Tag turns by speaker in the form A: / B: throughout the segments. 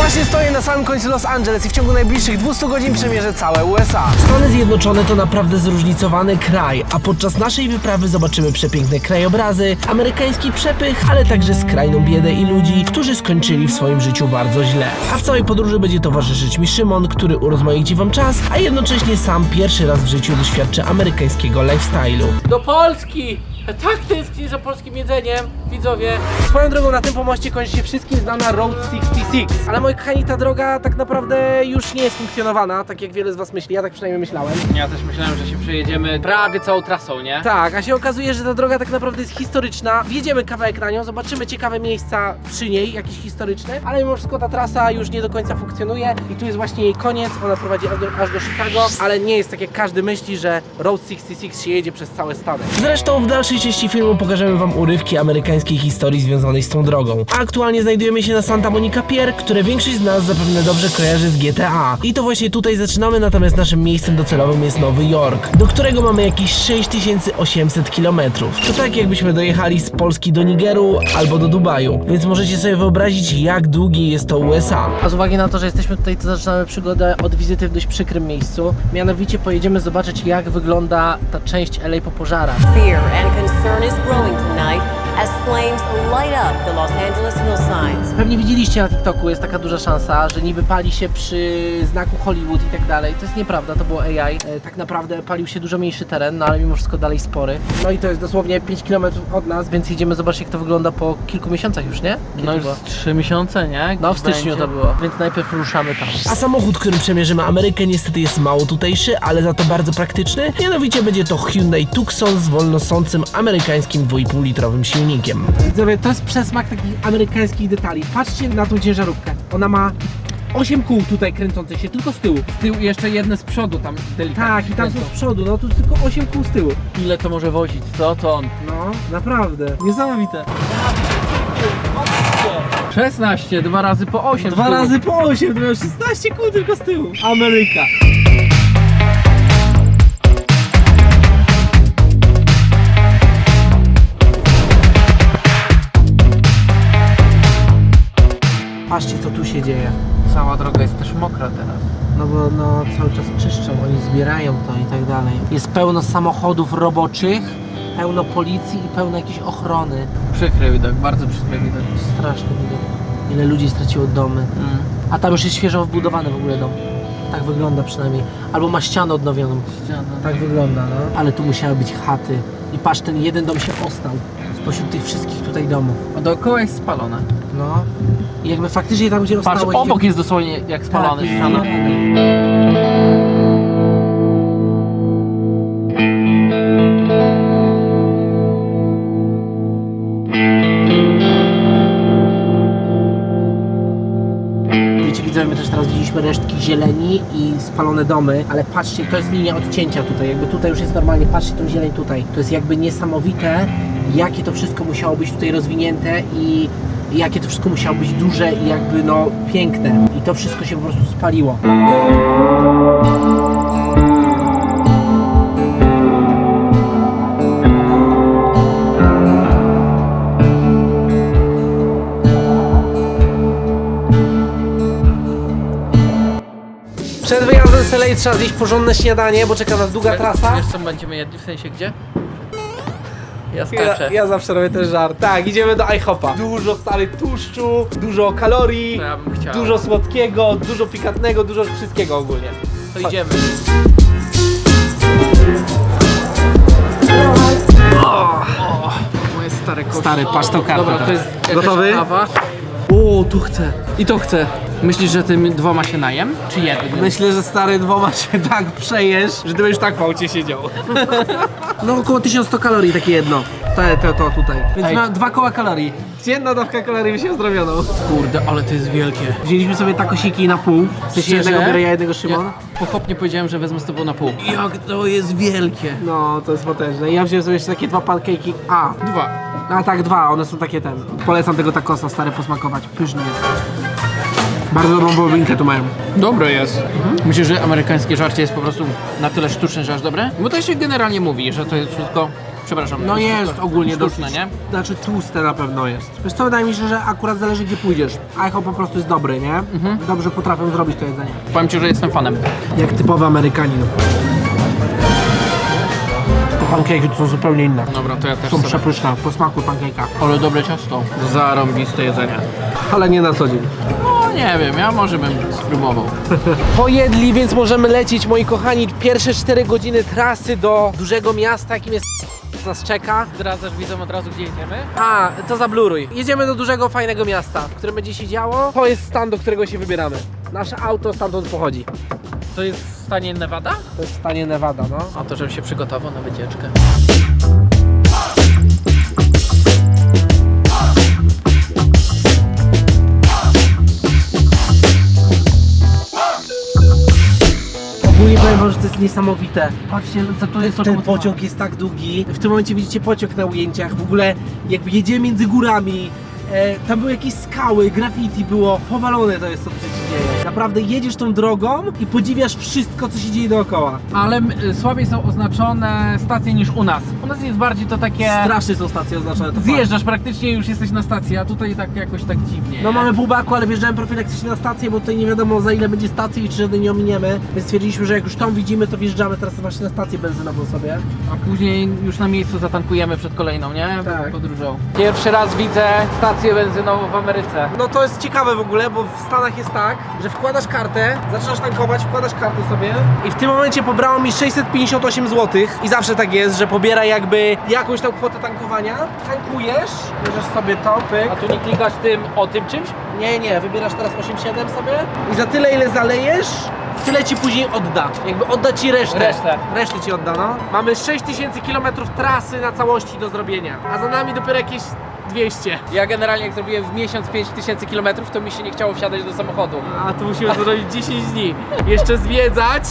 A: Właśnie stoję na samym końcu Los Angeles i w ciągu najbliższych 200 godzin przemierzę całe USA.
B: Stany Zjednoczone to naprawdę zróżnicowany kraj, a podczas naszej wyprawy zobaczymy przepiękne krajobrazy, amerykański przepych, ale także skrajną biedę i ludzi, którzy skończyli w swoim życiu bardzo źle. A w całej podróży będzie towarzyszyć mi Szymon, który urozmaici wam czas, a jednocześnie sam pierwszy raz w życiu doświadczy amerykańskiego lifestyle'u.
C: Do Polski! Tak tęsknię za polskim jedzeniem, widzowie.
A: Swoją drogą na tym pomoście kończy się wszystkim znana Route 66. Ale moi kochani, ta droga tak naprawdę już nie jest funkcjonowana, tak jak wiele z was myśli, ja tak przynajmniej myślałem.
C: Ja też myślałem, że się przejedziemy prawie całą trasą, nie?
A: Tak, a się okazuje, że ta droga tak naprawdę jest historyczna. Wjedziemy kawałek na nią, zobaczymy ciekawe miejsca przy niej, jakieś historyczne, ale mimo wszystko ta trasa już nie do końca funkcjonuje i tu jest właśnie jej koniec, ona prowadzi aż do Chicago, ale nie jest tak jak każdy myśli, że Route 66 się jedzie przez całe Stany.
B: Zresztą w dalszej części filmu pokażemy wam urywki amerykańskiej historii związanej z tą drogą. A aktualnie znajdujemy się na Santa Monica Pier, które większość z nas zapewne dobrze kojarzy z GTA. I to właśnie tutaj zaczynamy, natomiast naszym miejscem docelowym jest Nowy Jork, do którego mamy jakieś 6800 km. To tak jakbyśmy dojechali z Polski do Nigeru albo do Dubaju, więc możecie sobie wyobrazić, jak długi jest to USA.
A: A z uwagi na to, że jesteśmy tutaj, to zaczynamy przygodę od wizyty w dość przykrym miejscu. Mianowicie pojedziemy zobaczyć, jak wygląda ta część LA po pożarach.
D: Fear and concern is growing tonight as flames light up the Los Angeles hillsides.
A: Pewnie widzieliście na TikToku, jest taka duża szansa, że niby pali się przy znaku Hollywood i tak dalej. To jest nieprawda, to było AI. Tak naprawdę palił się dużo mniejszy teren, no ale mimo wszystko dalej spory. No i to jest dosłownie 5 km od nas, więc jedziemy zobaczyć, jak to wygląda po kilku miesiącach już, nie? Kiedy
C: No
A: to
C: już
A: było?
C: 3 miesiące, nie?
A: No w
C: Gdzieś
A: styczniu
C: będzie.
A: to było, więc najpierw ruszamy tam.
B: A samochód, którym przemierzymy Amerykę, niestety jest mało tutejszy, ale za to bardzo praktyczny. Mianowicie będzie to Hyundai Tucson z wolnosącym amerykańskim 2,5-litrowym silnikiem.
A: Widzowie, to jest przesmak takich amerykańskich detali. Patrzcie na tą ciężarówkę. Ona ma 8 kół tutaj kręcących się, tylko z tyłu.
C: Z tyłu jeszcze jedne z przodu tam delikatnie.
A: Tak, i tam są z przodu, no tu jest tylko 8 kół z tyłu.
C: Ile to może wozić, co to on?
A: No, naprawdę. Niesamowite.
C: 16, 2 razy po 8.
A: 2 razy po 8, to miał 16 kół tylko z tyłu. Ameryka. Patrzcie, co tu się dzieje.
C: Cała droga jest też mokra teraz.
A: No bo no, cały czas czyszczą, oni zbierają to i tak dalej. Jest pełno samochodów roboczych, pełno policji i pełno jakiejś ochrony.
C: Przykry widok, bardzo przykry widok.
A: Straszny widok. Ile ludzi straciło domy. A tam już jest świeżo wbudowany w ogóle dom. Tak wygląda przynajmniej. Albo ma ścianę odnowioną. Tak wygląda, no. Ale tu musiały być chaty. I patrz, ten jeden dom się ostał spośród tych wszystkich tutaj domów.
C: A dookoła jest spalone.
A: No. I jakby faktycznie tam, gdzie
C: Patrz,
A: rozstało...
C: obok jest dosłownie jak spalony.
A: Tak,
C: ściana.
A: Wiecie, widzowie, my też teraz widzieliśmy resztki zieleni i spalone domy, ale patrzcie, to jest linia odcięcia tutaj, jakby tutaj już jest normalnie, patrzcie tą zieleń tutaj. To jest jakby niesamowite, jakie to wszystko musiało być tutaj rozwinięte i jakie to wszystko musiało być duże i jakby no piękne. I to wszystko się po prostu spaliło. Przed wyjazdem z LA trzeba zjeść porządne śniadanie, bo czeka nas długa trasa.
C: Wiesz co będziemy jedli, w sensie gdzie? Ja skaczę.
A: Ja zawsze robię ten żart. Tak, idziemy do IHOPa. Dużo stary tłuszczu, dużo kalorii,
C: To ja bym chciał.
A: dużo słodkiego, dużo pikantnego, dużo wszystkiego ogólnie.
C: To idziemy. Moje stare kości.
A: Stary, patrz tą kartę.
C: Dobra, to jest jakaś
A: Gotowy?
C: kawa. O, tu chcę. I to chcę. Myślisz, że tym dwoma się najem? Czy jednym?
A: Myślę, że stary dwoma się tak przejesz, że ty będziesz tak w aucie siedział. No około 1100 kalorii takie jedno. To tutaj. Więc
C: Ej.
A: ma 2 koła kalorii. Jedna dawka kalorii by się zrobioną.
C: Kurde, ale to jest wielkie.
A: Wzięliśmy sobie takosiki na pół. W sensie jednego biorę ja, jednego Szymon.
C: Ja pochopnie powiedziałem, że wezmę z tobą na pół. Jak to jest wielkie.
A: No, to jest potężne. I ja wziąłem sobie jeszcze takie 2 pancake'i. A,
C: 2.
A: a tak 2, one są takie ten. Polecam tego takosa, stary, posmakować. Pyszny jest. Bardzo dobrą wołowinkę tu mają.
C: Dobre jest. Myślisz, że amerykańskie żarcie jest po prostu na tyle sztuczne, że aż dobre? Bo to się generalnie mówi, że to jest wszystko Przepraszam.
A: No jest ogólnie
C: sztuczne,
A: dosyć,
C: nie?
A: znaczy tłuste na pewno jest. Wiesz co, wydaje mi się, że akurat zależy gdzie pójdziesz. IHOP po prostu jest dobry, nie? Dobrze potrafią zrobić to jedzenie.
C: Powiem ci, że jestem fanem.
A: Jak typowy Amerykanin. Pankejki to są zupełnie inne.
C: Dobra, to ja też
A: Są
C: sobie.
A: przepyszne, po smaku pankejka.
C: Ale dobre ciasto. Zarąbiste jedzenie.
A: Ale nie na co dzień.
C: No nie wiem, ja może bym spróbował.
A: Pojedli, więc możemy lecieć, moi kochani. Pierwsze 4 godziny trasy do dużego miasta, jakim jest nas czeka.
C: Zdradzasz widzom od razu, gdzie jedziemy?
A: A, to zabluruj. Jedziemy do dużego, fajnego miasta, w którym będzie się działo. To jest stan, do którego się wybieramy. Nasze auto stamtąd pochodzi.
C: To jest w stanie Nevada?
A: To jest w stanie Nevada, no.
C: A to, żebym się przygotował na wycieczkę.
A: Ogólnie powiem wam, że to jest niesamowite. Patrzcie, co to jest, ten
C: czemu to
A: pociąg jest tak długi. W tym momencie widzicie pociąg na ujęciach. W ogóle jakby jedziemy między górami. Tam były jakieś skały, graffiti było. Powalone to jest, co tu się dzieje. Naprawdę jedziesz tą drogą i podziwiasz wszystko, co się dzieje dookoła.
C: Ale słabiej są oznaczone stacje niż u nas. U nas jest bardziej to takie...
A: Strasznie są stacje oznaczone. To
C: Zjeżdżasz praktycznie, już jesteś na stacji, a tutaj tak jakoś tak dziwnie.
A: No mamy pół baku, ale wjeżdżałem profilaktycznie na stację, bo tutaj nie wiadomo za ile będzie stacji i czy żadnej nie ominiemy. Więc stwierdziliśmy, że jak już tą widzimy, to wjeżdżamy teraz właśnie na stację benzynową sobie.
C: A później już na miejscu zatankujemy przed kolejną, nie?
A: Tak.
C: Podróżą. Pierwszy raz widzę stację benzynową w Ameryce.
A: No to jest ciekawe w ogóle, bo w Stanach jest tak, że wkładasz kartę, zaczynasz tankować, wkładasz kartę sobie i w tym momencie pobrało mi 658 zł i zawsze tak jest, że pobiera jakby jakąś tam kwotę tankowania, tankujesz, bierzesz sobie to, pyk.
C: A tu nie klikasz tym o tym czymś?
A: Nie, wybierasz teraz 8,7 sobie i za tyle ile zalejesz, tyle ci później odda. Jakby odda ci resztę. Resztę ci odda, no. Mamy 6000 km trasy na całości do zrobienia, a za nami dopiero jakieś 200.
C: Ja generalnie jak zrobiłem w miesiąc 5000 km, to mi się nie chciało wsiadać do samochodu.
A: A tu musimy to zrobić 10 dni. Jeszcze zwiedzać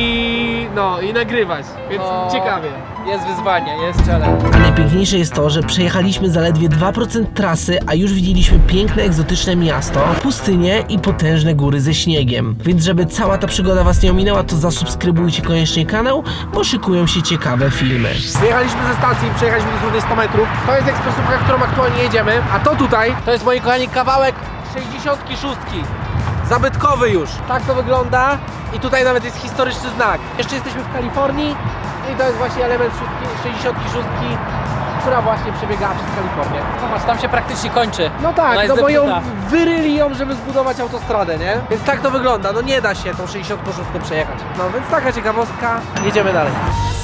A: i nagrywać, więc
C: No.
A: ciekawie.
C: Jest wyzwanie, jest challenge.
B: A najpiękniejsze jest to, że przejechaliśmy zaledwie 2% trasy, a już widzieliśmy piękne, egzotyczne miasto, pustynię i potężne góry ze śniegiem. Więc żeby cała ta przygoda was nie ominęła, to zasubskrybujcie koniecznie kanał, bo szykują się ciekawe filmy.
A: Wyjechaliśmy ze stacji i przejechaliśmy dosłownie 100 metrów. To jest ekspresówka, którą aktualnie jedziemy. A to tutaj, to jest moi kochani kawałek 66. Zabytkowy już. Tak to wygląda i tutaj nawet jest historyczny znak. Jeszcze jesteśmy w Kalifornii i to jest właśnie element 66, która właśnie przebiegała przez Kalifornię.
C: Zobacz, tam się praktycznie kończy.
A: No
C: Ona
A: tak,
C: jest
A: no bo ją
C: zepsuta.
A: wyryli ją, żeby zbudować autostradę, nie? Więc tak to wygląda, no nie da się tą 66 przejechać. No więc taka ciekawostka, jedziemy dalej.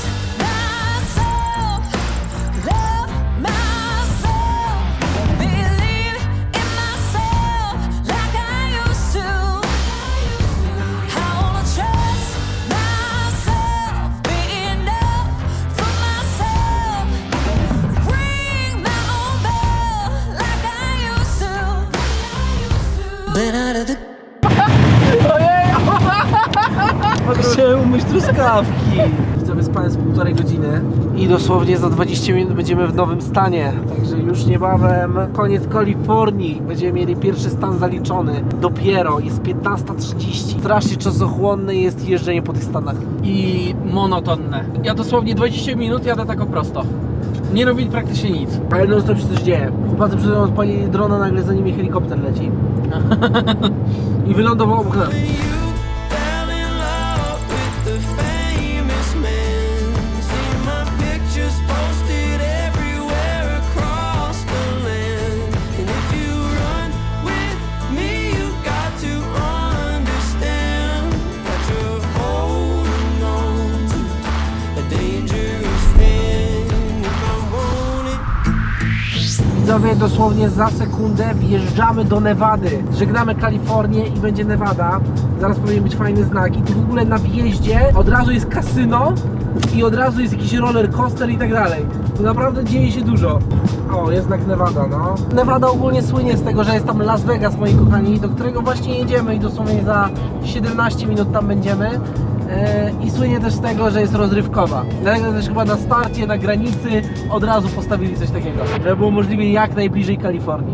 A: Chciałem umyć truskawki. Widzowie, spałem z 1,5 godziny i dosłownie za 20 minut będziemy w nowym stanie. Także już niebawem koniec Kalifornii. Będziemy mieli pierwszy stan zaliczony. Dopiero jest 15:30. Strasznie czasochłonne jest jeżdżenie po tych stanach.
C: I monotonne. Ja dosłownie 20 minut jadę tak o prosto. Nie robię praktycznie nic.
A: Ale no to się coś dzieje. Chłopacy przed chwilą odpalili drona, nagle za nimi helikopter leci. I wylądował obok nas.
E: Fell in love with the famous man. See my pictures posted everywhere across the land. And if you run with me, you got to understand that you're holding on to a dangerous thing. If I want it.
A: Widzowie, dosłownie za sekundę wjeżdżamy do Nevady. Żegnamy Kalifornię i będzie Nevada. Zaraz powinien być fajny znak. I tu w ogóle na wjeździe od razu jest kasyno i od razu jest jakiś roller coaster i tak dalej. Tu naprawdę dzieje się dużo. O, jest znak Nevada, no. Nevada ogólnie słynie z tego, że jest tam Las Vegas, moi kochani, do którego właśnie jedziemy i dosłownie za 17 minut tam będziemy. I słynie też z tego, że jest rozrywkowa. Dlatego też chyba na starcie, na granicy od razu postawili coś takiego, żeby było możliwie jak najbliżej Kalifornii.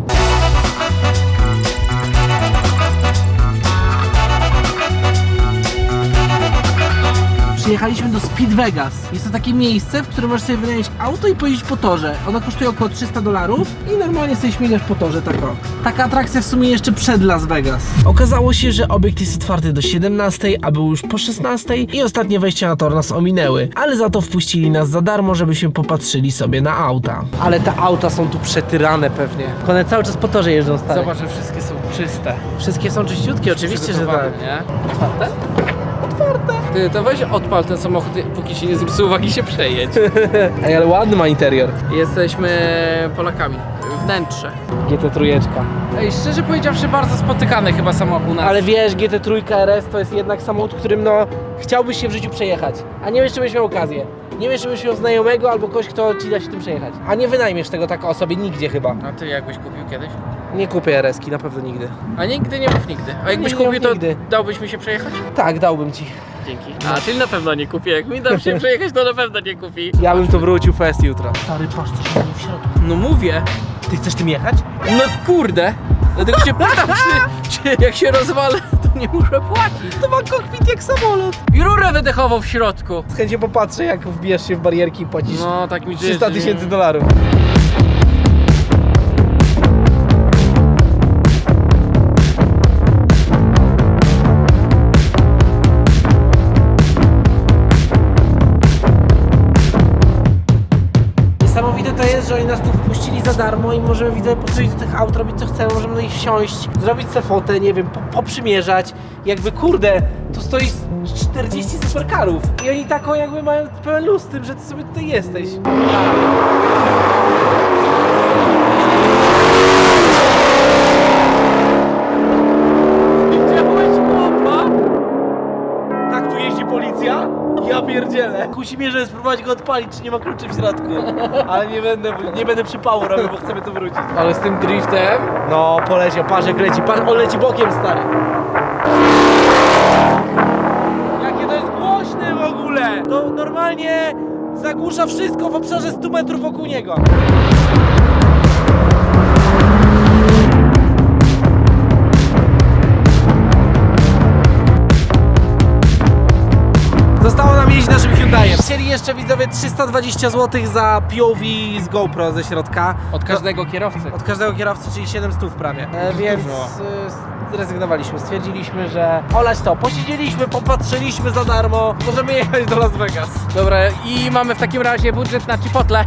A: Przyjechaliśmy Pojechaliśmy do Speed Vegas. Jest to takie miejsce, w którym możesz sobie wynająć auto i pojeździć po torze. Ono kosztuje około $300 i normalnie sobie śmigasz po torze, tak o. Taka atrakcja w sumie jeszcze przed Las Vegas.
B: Okazało się, że obiekt jest otwarty do 17, a był już po 16 i ostatnie wejścia na tor nas ominęły, ale za to wpuścili nas za darmo, żebyśmy popatrzyli sobie na auta.
A: Ale te auta są tu przetyrane pewnie. One cały czas po torze jeżdżą, stary.
C: Zobacz, że wszystkie są czyste.
A: Wszystkie są czyściutkie, oczywiście, że tak.
C: Nie? Otwarte? Otwarte. Ty, to weź odpal ten samochód, póki się nie zwrócił uwagi, się przejedź.
A: Ej, ale ładny ma interior.
C: Jesteśmy Polakami. Wnętrze.
A: GT3.
C: Ej, szczerze powiedziawszy, bardzo spotykany chyba samochód u nas.
A: Ale wiesz, GT3 RS to jest jednak samochód, którym no chciałbyś się w życiu przejechać. A nie wiesz, czy byś miał okazję. Nie wiesz, czy byś miał znajomego albo kogoś, kto ci da się tym przejechać. A nie wynajmiesz tego tak osobie nigdzie chyba.
C: A ty jakbyś kupił kiedyś?
A: Nie kupię RS-ki, na pewno nigdy.
C: A nigdy nie mów nigdy. A jakbyś
A: Nie
C: kupił, to
A: nigdy.
C: dałbyś mi się przejechać?
A: Tak, dałbym ci.
C: Dzięki. A, czyli na pewno nie kupię. Jak mi dam się przejechać, to na pewno nie kupi.
A: Ja bym to wrócił fest jutro. Stary, patrz, co się dzieje w środku.
C: No mówię.
A: Ty chcesz tym jechać?
C: No kurde. Dlatego się pytam, czy jak się rozwalę, to nie muszę płacić.
A: To ma kokpit jak samolot.
C: I rurę wydechową w środku.
A: Z chęcią popatrzę, jak wbijesz się w barierki i płacisz
C: No tak mi
A: $300 000. Niesamowite to jest, że oni nas tu wpuścili za darmo i możemy, widzę, podchodzić do tych aut, robić co chcemy, możemy do nich wsiąść, zrobić sobie fotę, nie wiem, poprzymierzać. Jakby kurde, tu stoi 40 supercarów i oni taką jakby mają pełen luz z tym, że ty sobie tutaj jesteś.
C: Widziałeś chłopa?
A: Tak tu jeździ policja? Ja pierdzielę. Kusi mnie, żeby spróbować go odpalić, czy nie ma kluczy w środku. Ale nie będę przypału robił, bo chcemy tu wrócić.
C: Ale z tym driftem?
A: No, poleciał, patrz jak leci, patrz, on leci bokiem, stary. Jakie to jest głośne w ogóle! To normalnie zagłusza wszystko w obszarze 100 metrów wokół niego. Zostało nam jeździć naszym Hyundaiem. Chcieli jeszcze widzowie 320 zł za POV z GoPro ze środka.
C: Od każdego kierowcy.
A: Od każdego kierowcy, czyli 700 prawie. Więc zrezygnowaliśmy. Stwierdziliśmy, że olać to. Posiedzieliśmy, popatrzyliśmy za darmo. Możemy jechać do Las Vegas.
C: Dobra, i mamy w takim razie budżet na Chipotle.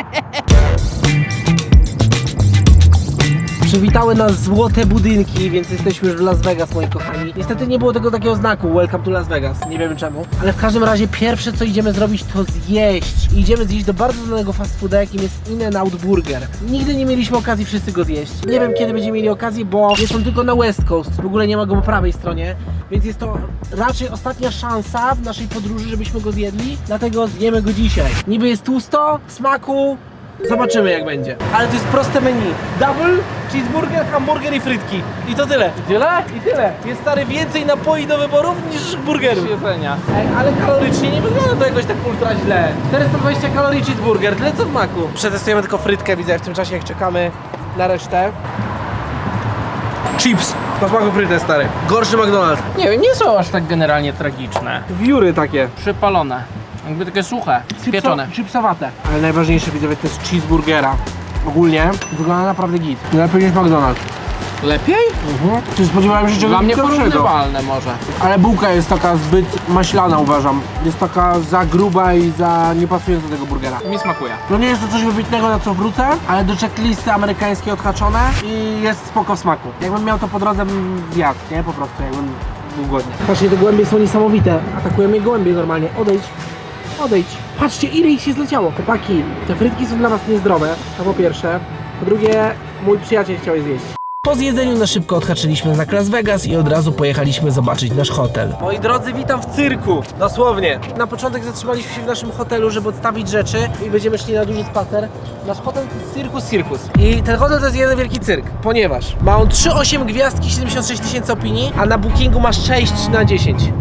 A: Przywitały nas złote budynki, więc jesteśmy już w Las Vegas, moi kochani. Niestety nie było tego takiego znaku Welcome to Las Vegas, nie wiemy czemu. Ale w każdym razie pierwsze co idziemy zrobić to zjeść. I idziemy zjeść do bardzo znanego fast fooda, jakim jest In-N-Out Burger. Nigdy nie mieliśmy okazji wszyscy go zjeść. Nie wiem kiedy będziemy mieli okazję, bo jest on tylko na West Coast. W ogóle nie ma go po prawej stronie. Więc jest to raczej ostatnia szansa w naszej podróży, żebyśmy go zjedli. Dlatego zjemy go dzisiaj. Niby jest tłusto, w smaku. Zobaczymy jak będzie. Ale to jest proste menu. Double, cheeseburger, hamburger i frytki. I to tyle.
C: Tyle?
A: I tyle. Jest stary więcej napoi do wyborów niż burgerów.
C: Jedzenia.
A: Ej, ale kalorycznie nie wygląda to jakoś tak ultra źle. 420 kalorii cheeseburger, tyle co w maku. Przetestujemy tylko frytkę, widzę w tym czasie jak czekamy na resztę. Chips. Po smaku frytę, stary. Gorszy McDonald's.
C: Nie wiem, nie są aż tak generalnie tragiczne.
A: Wióry takie.
C: Przypalone. Jakby takie suche, pieczone.
A: Chipsowate. Ale najważniejsze widzowie to jest cheeseburgera. Ogólnie wygląda naprawdę git. Lepiej niż McDonald's.
C: Lepiej?
A: Czy spodziewałem się czegoś
C: Dla mnie
A: gorszego?
C: porównywalne może.
A: Ale bułka jest taka zbyt maślana, uważam. Jest taka za gruba i za nie pasująca do tego burgera.
C: Mi smakuje.
A: No nie jest to coś wybitnego, na co wrócę, ale do checklisty amerykańskiej odhaczone i jest spoko w smaku. Jakbym miał to po drodze, bym zjadł, nie? Po prostu, jakbym był głodny. Patrzcie, te gołębie są niesamowite. Atakują mnie gołębie normalnie. Odejdź. Odejdź. Patrzcie, ile ich się zleciało. Chłopaki, te frytki są dla was niezdrowe, to po pierwsze. Po drugie, mój przyjaciel chciał je zjeść.
B: Po zjedzeniu na szybko odhaczyliśmy znak Las Vegas i od razu pojechaliśmy zobaczyć nasz hotel.
A: Moi drodzy, witam w cyrku, dosłownie. Na początek zatrzymaliśmy się w naszym hotelu, żeby odstawić rzeczy i będziemy szli na duży spacer. Nasz hotel to jest Circus. I ten hotel to jest jeden wielki cyrk, ponieważ ma on 3,8 gwiazdki, 76 000 opinii, a na bookingu ma 6 na 10.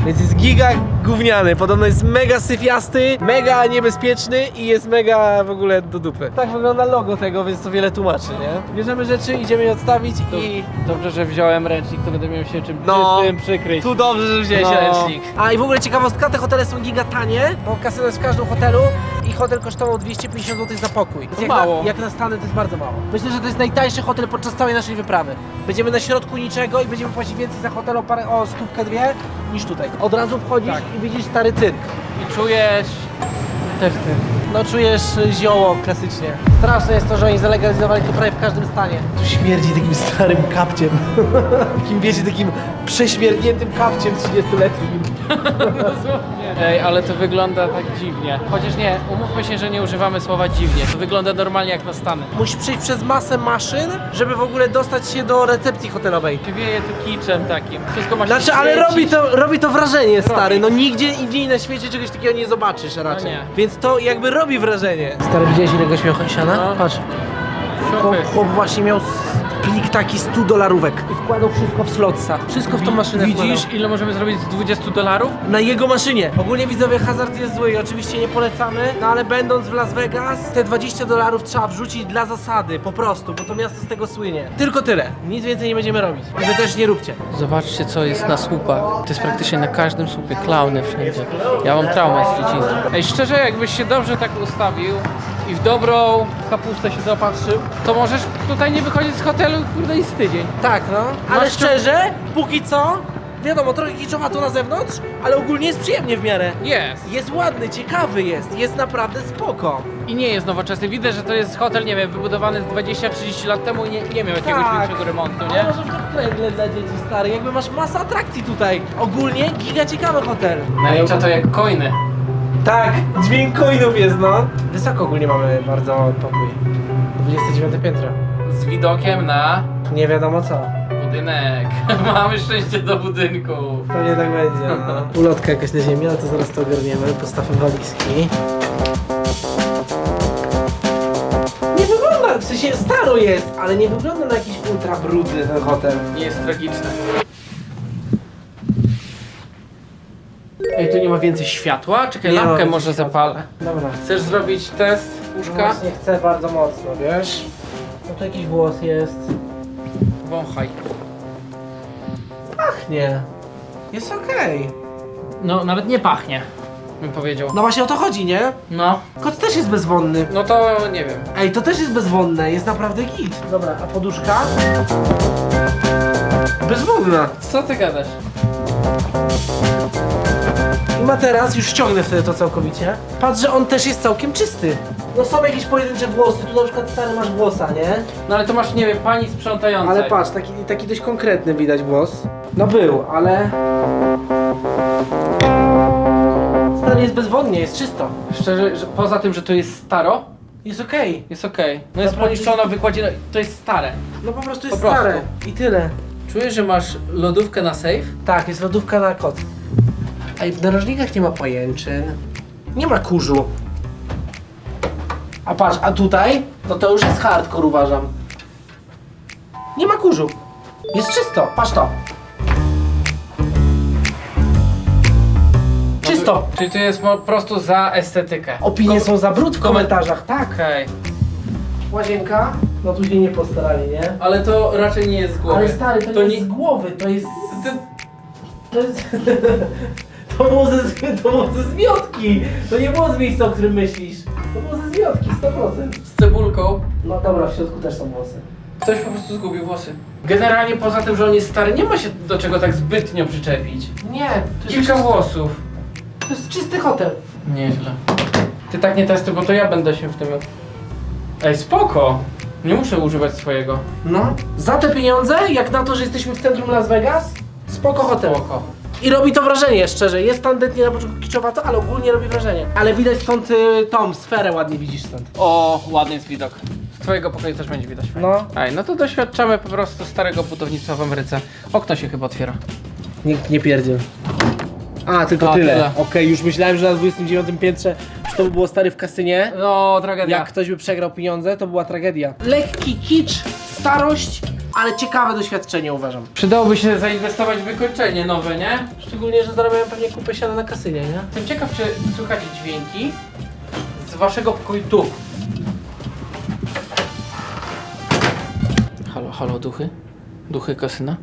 B: Więc jest giga gówniany, podobno jest mega syfiasty, mega niebezpieczny i jest mega w ogóle do dupy. Tak wygląda logo tego, więc to wiele tłumaczy, nie? Bierzemy rzeczy, idziemy je odstawić i...
C: Dobrze, że wziąłem ręcznik, to będę miał się czym
B: No.
C: czystym przykryć.
B: Tu dobrze, że wziąłeś ręcznik. A i w ogóle ciekawostka, te hotele są giga tanie, bo kasyno jest w każdym hotelu i hotel kosztował 250 zł za pokój. Więc
C: mało.
B: Jak na Stany to jest bardzo mało. Myślę, że to jest najtańszy hotel podczas całej naszej wyprawy. Będziemy na środku niczego i będziemy płacić więcej za hotel o stówkę, dwie niż tutaj. Od razu wchodzisz i widzisz stary cyrk.
C: I czujesz też ty.
B: No czujesz zioło klasycznie. Straszne jest to, że oni zalegalizowali to prawie w każdym stanie. Tu śmierdzi takim starym kapciem. Takim, wiecie, takim prześmierdniętym kapciem 30-letnim.
C: Ej, ale to wygląda tak dziwnie. Chociaż nie, umówmy się, że nie używamy słowa dziwnie. To wygląda normalnie jak na Stany.
B: Musisz przejść przez masę maszyn, żeby w ogóle dostać się do recepcji hotelowej.
C: Wieje tu kiczem takim. Wszystko ma się
B: Znaczy, ale
C: świecić.
B: robi to wrażenie, stary. No nigdzie indziej na świecie czegoś takiego nie zobaczysz raczej.
C: No nie.
B: Więc to jakby robi wrażenie. Stary, widziałeś ile goś miał siana?
C: No.
B: Patrz. Chłop właśnie miał plik taki $100 i wkładał wszystko w slotsa. Wszystko w tą maszynę
C: Widzisz,
B: wkładał.
C: ile możemy zrobić z $20?
B: Na jego maszynie. Ogólnie widzowie, hazard jest zły i oczywiście nie polecamy, no ale będąc w Las Vegas, te $20 trzeba wrzucić dla zasady, po prostu, bo to miasto z tego słynie. Tylko tyle. Nic więcej nie będziemy robić. I wy też nie róbcie.
C: Zobaczcie, co jest na słupach. To jest praktycznie na każdym słupie. Klauny wszędzie. Ja mam traumę z dzieciństwa. Ej, szczerze, jakbyś się dobrze tak ustawił i w dobrą kapustę się zaopatrzył, to możesz tutaj nie wychodzić z hotelu, kurde, i z tydzień.
B: Tak, no. Ale
C: Masz
B: szczerze, póki co, wiadomo, trochę kiczowato na zewnątrz, ale ogólnie jest przyjemnie w miarę.
C: Jest.
B: Jest ładny, ciekawy jest naprawdę spoko.
C: I nie jest nowoczesny. Widać, że to jest hotel, nie wiem, wybudowany z 20-30 lat temu i nie miał jakiegoś
B: Tak.
C: większego remontu,
B: Ale
C: nie?
B: masz na przykład kręgle dla dzieci, stary, jakby masz masę atrakcji tutaj. Ogólnie giga ciekawy hotel.
C: Nalicza to jak coiny.
B: Tak, dźwięk coinów jest, no. Wysoko ogólnie mamy bardzo pokój. 29 piętro.
C: Z widokiem na
B: Nie wiadomo co.
C: budynek. Mamy szczęście do budynku.
B: Pewnie tak będzie, no. Ulotka jakaś na ziemi, ale to zaraz to ogarniemy. Postawmy walizki. Nie wygląda, w sensie staro jest, ale nie wygląda na jakiś ultra brudny ten hotel.
C: Nie jest tragiczne.
B: Ej,
C: Tu nie ma więcej światła? Czekaj,
B: Nie ma
C: lampkę
B: więcej
C: może
B: światła.
C: zapalę.
B: Dobra.
C: Chcesz zrobić test
B: No
C: łóżka?
B: właśnie chcę bardzo mocno, wiesz? No tu jakiś głos jest.
C: Wąchaj.
B: Pachnie. Jest okej.
C: No, nawet nie pachnie, bym powiedział.
B: No właśnie o to chodzi, nie?
C: No,
B: Kot też jest bezwonny.
C: no to nie wiem.
B: Ej, to też jest bezwonne, jest naprawdę git. Dobra, a poduszka? Bezwonna.
C: Co ty gadasz?
B: I materac, już ściągnę wtedy to całkowicie. Patrz, że on też jest całkiem czysty. No są jakieś pojedyncze włosy, tu na przykład stary masz włosa, nie?
C: No ale to masz, nie wiem, pani sprzątającej.
B: Ale patrz, taki dość konkretny widać włos. No był, ale... Stary jest bezwonnie, jest czysto.
C: Szczerze, że poza tym, że to jest staro,
B: Jest okej.
C: jest okej. No jest
B: Naprawdę-
C: poniszczona, wykładzina, to jest stare.
B: No po prostu jest
C: Po prostu.
B: stare. I tyle.
C: Czujesz, że masz lodówkę na safe?
B: Tak, jest lodówka na kot. Ej, w narożnikach nie ma pajęczyn. Nie ma kurzu. A patrz, a tutaj? No to już jest hardcore, uważam. Nie ma kurzu. Jest czysto, patrz to. Czysto.
C: Czyli to jest po prostu za estetykę.
B: Opinie są za brud w komentarzach, tak.
C: Okej.
B: Łazienka? No tu się nie postarali, nie?
C: Ale to raczej nie jest z głowy.
B: Ale stary, to nie jest z głowy, to jest... To jest... To było ze zmiotki! To nie było z miejsca, o którym myślisz. To było ze zmiotki, 100%.
C: Z cebulką.
B: No dobra, w środku też są włosy.
C: Ktoś po prostu zgubił włosy. Generalnie poza tym, że on jest stary, nie ma się do czego tak zbytnio przyczepić.
B: Nie, to jest,
C: Kilka włosów.
B: to jest czysty hotel.
C: Nieźle. Ty tak nie testuj, bo to ja będę się w tym... Ej, spoko! Nie muszę używać swojego.
B: No. Za te pieniądze, jak na to, że jesteśmy w centrum Las Vegas, spoko hotel.
C: Spoko.
B: I robi to wrażenie, szczerze. Jest tandetnie na początku kiczowato, ale ogólnie robi wrażenie. Ale widać stąd tą sferę ładnie widzisz stąd.
C: O, ładny jest widok. Z twojego pokoju też będzie widać.
B: No.
C: Ej, no to doświadczamy po prostu starego budownictwa w Ameryce. Okno się chyba otwiera.
B: Nikt nie pierdziel. A, tylko
C: A,
B: tyle.
C: tyle.
B: Okej, już myślałem, że na 29 piętrze, że to by było stary w kasynie.
C: No, tragedia.
B: Jak ktoś by przegrał pieniądze, to była tragedia. Lekki kicz, starość
A: ale ciekawe doświadczenie uważam.
C: Przydałoby się zainwestować w wykończenie nowe, nie?
A: Szczególnie, że zarabiają pewnie kupę siana na kasynie, nie?
C: Jestem ciekaw, czy słychać dźwięki z waszego pokoju tu. Halo, halo, duchy? Duchy kasyna?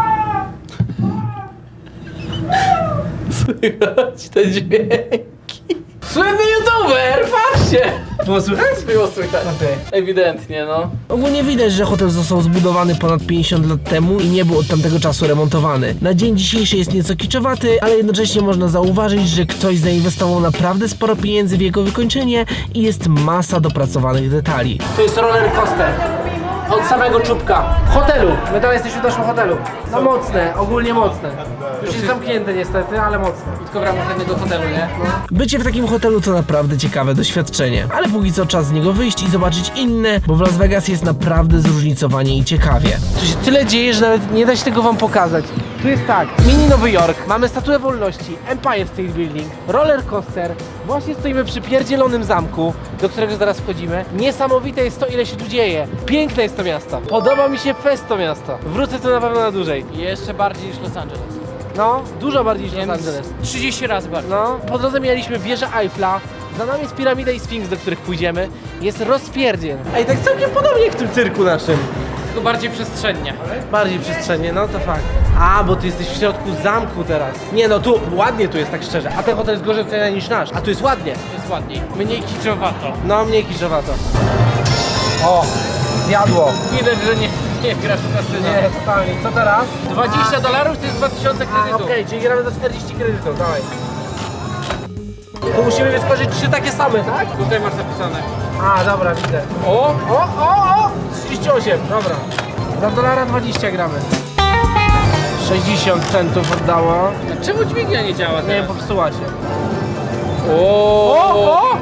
C: Słychać te dźwięki. Słynny youtuber, patrzcie!
A: Było słychać?
C: Było słychać. Ewidentnie, no.
B: Ogólnie widać, że hotel został zbudowany ponad 50 lat temu i nie był od tamtego czasu remontowany. Na dzień dzisiejszy jest nieco kiczowaty, ale jednocześnie można zauważyć, że ktoś zainwestował naprawdę sporo pieniędzy w jego wykończenie i jest masa dopracowanych detali.
A: To jest roller coaster. Od samego czubka. W hotelu. My tam jesteśmy w naszym hotelu. No mocne, ogólnie mocne. Już jest zamknięte niestety, ale mocne.
C: Tylko w ramach jednego hotelu, nie?
B: Bycie w takim hotelu to naprawdę ciekawe doświadczenie, ale póki co czas z niego wyjść i zobaczyć inne, bo w Las Vegas jest naprawdę zróżnicowanie i ciekawie.
A: Tu się tyle dzieje, że nawet nie da się tego wam pokazać. Tu jest tak, mini Nowy Jork, mamy Statuę Wolności, Empire State Building, roller coaster, właśnie stoimy przy pierdzielonym zamku, do którego zaraz wchodzimy. Niesamowite jest to, ile się tu dzieje. Piękne jest to miasto. Podoba mi się fest to miasto. Wrócę tu na pewno na dłużej.
C: Jeszcze bardziej niż Los Angeles.
A: No, dużo bardziej niż Los
C: Wiem,
A: Angeles.
C: 30 razy bardziej.
A: No, po drodze mieliśmy wieżę Eiffla, za nami jest piramida i Sfinks, do których pójdziemy. Jest rozpierdziel. Ej, tak całkiem podobnie jak w tym cyrku naszym.
C: Tylko bardziej przestrzennie.
A: Bardziej przestrzennie, no to fakt. A, bo ty jesteś w środku zamku teraz. Nie no, tu ładnie tu jest, tak szczerze. A ten hotel jest gorzej oceniany niż nasz. A tu jest ładnie.
C: To jest ładniej. Mniej kiczowato.
A: No, mniej kiszowato. O, zjadło.
C: Widać, że nie grasz w kasyno.
A: Nie, totalnie. Co teraz?
C: $20 to jest 2000 kredytów.
A: Okej, czyli gramy za 40 kredytów, dawaj. Tu musimy wyskoczyć 3 takie same, tak?
C: Tutaj masz zapisane.
A: A, dobra, widzę.
C: O!
A: O! 38, dobra. Za $1.20 gramy. 60 centów oddało.
C: Czemu dźwignia nie działa
A: Nie wiem,
C: teraz?
A: popsuła się.
C: O!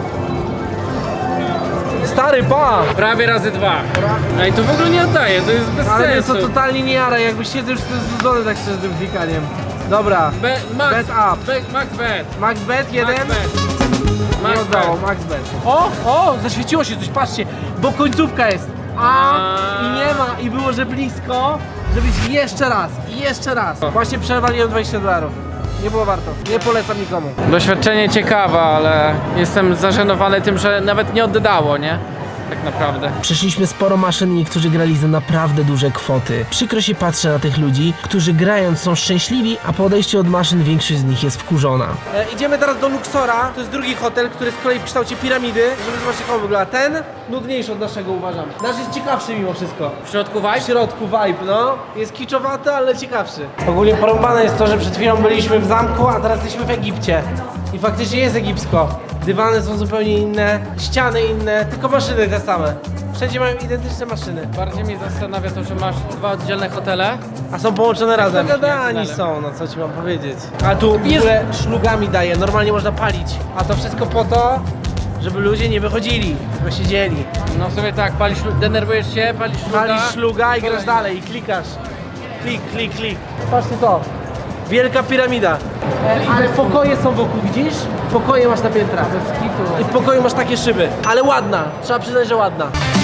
A: Stary, pa!
C: Prawie razy 2. Ej, to w ogóle nie oddaje, to jest bez
A: Ale mnie to
C: sensu.
A: totalnie nie jara, jakby siedzę już znudzony tak szczerze tym klikaniem. Dobra,
C: Max,
A: Bet up.
C: Max bet.
A: max bet, jeden.
C: Max bet.
A: Nie
C: Max
A: oddało,
C: bet.
A: max bet. O, zaświeciło się coś, patrzcie, bo końcówka jest. I nie ma, i było, że blisko, żeby być jeszcze raz, i jeszcze raz. Właśnie przewaliłem $20. Nie było warto, nie polecam nikomu.
C: Doświadczenie ciekawe, ale jestem zażenowany tym, że nawet nie oddało, nie? Tak naprawdę.
B: Przeszliśmy sporo maszyn i niektórzy grali za naprawdę duże kwoty. Przykro się patrzę na tych ludzi, którzy grając są szczęśliwi, a po odejściu od maszyn większość z nich jest wkurzona.
A: Idziemy teraz do Luxora, to jest drugi hotel, który jest z kolei w kształcie piramidy, żeby zobaczyć jak on wygląda. Ten nudniejszy od naszego uważam. Nasz jest ciekawszy mimo wszystko.
C: W środku
A: W
C: vibe?
A: środku vibe, no. Jest kiczowaty, ale ciekawszy. Ogólnie porąbane jest to, że przed chwilą byliśmy w zamku, a teraz jesteśmy w Egipcie. I faktycznie jest egipsko. Dywany są zupełnie inne, ściany inne, tylko maszyny te same. Wszędzie mają identyczne maszyny.
C: Bardziej mnie zastanawia to, że masz 2 oddzielne hotele.
A: A są połączone razem. Pogadani
C: Jak
A: są, no co ci mam powiedzieć. A tu w ogóle szlugami daje, normalnie można palić. A to wszystko po to, żeby ludzie nie wychodzili, tylko siedzieli.
C: No w sumie tak, denerwujesz się, palisz szluga.
A: Palisz szluga i grasz dalej, i klikasz. Klik, klik, klik. Patrzcie to. Wielka piramida. Ale pokoje są wokół, widzisz? Pokoje masz na piętrach. I w pokoju masz takie szyby. Ale ładna, trzeba przyznać, że ładna.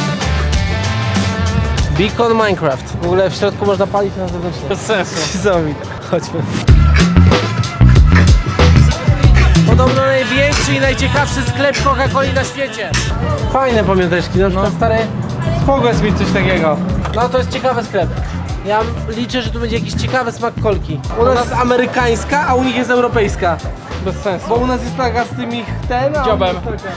A: Beacon Minecraft. W ogóle w środku można palić na zewnątrz.
C: Bez sensu.
A: Niesamowite. Chodźmy. Podobno największy i najciekawszy sklep Coca-Coli na świecie. Fajne pamiąteczki, na przykład stary, spoko jest mieć coś takiego. No to jest ciekawy sklep. Ja liczę, że tu będzie jakiś ciekawy smak kolki. U nas jest amerykańska, a u nich jest europejska.
C: Bez sensu.
A: Bo u nas jest taka z tym ich ten, a
C: Dziobem.
A: u nich jest taka.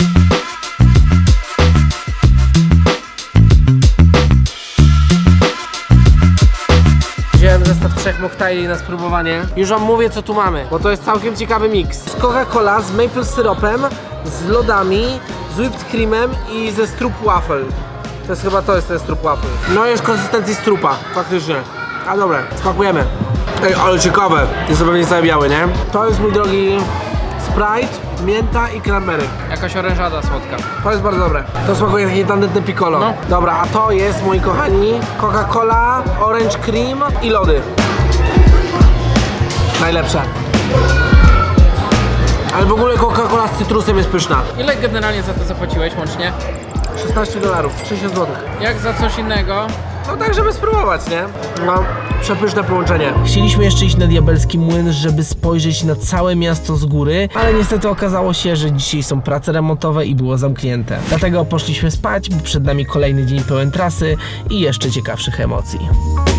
A: Wziąłem zestaw 3 moktajli na spróbowanie. Już wam mówię co tu mamy, bo to jest całkiem ciekawy miks. Z Coca-Cola, z maple syropem, z lodami, z whipped creamem i ze strup waffle. To jest chyba ten strup waffle. No jest konsystencji strupa, faktycznie. A dobra, spakujemy. Ej, ale ciekawe. Jest to pewnie cały biały, nie? To jest, mój drogi, Sprite, mięta i cranberry.
C: Jakaś orężada słodka.
A: To jest bardzo dobre. To smakuje takie tandetne piccolo.
C: No.
A: Dobra, a to jest, moi kochani, Coca-Cola, orange cream i lody. Najlepsze. Ale w ogóle Coca-Cola z cytrusem jest pyszna.
C: Ile generalnie za to zapłaciłeś łącznie?
A: $16, 60 zł.
C: Jak za coś innego?
A: No tak, żeby spróbować, nie? No, przepyszne połączenie.
B: Chcieliśmy jeszcze iść na Diabelski Młyn, żeby spojrzeć na całe miasto z góry, ale niestety okazało się, że dzisiaj są prace remontowe i było zamknięte. Dlatego poszliśmy spać, bo przed nami kolejny dzień pełen trasy i jeszcze ciekawszych emocji.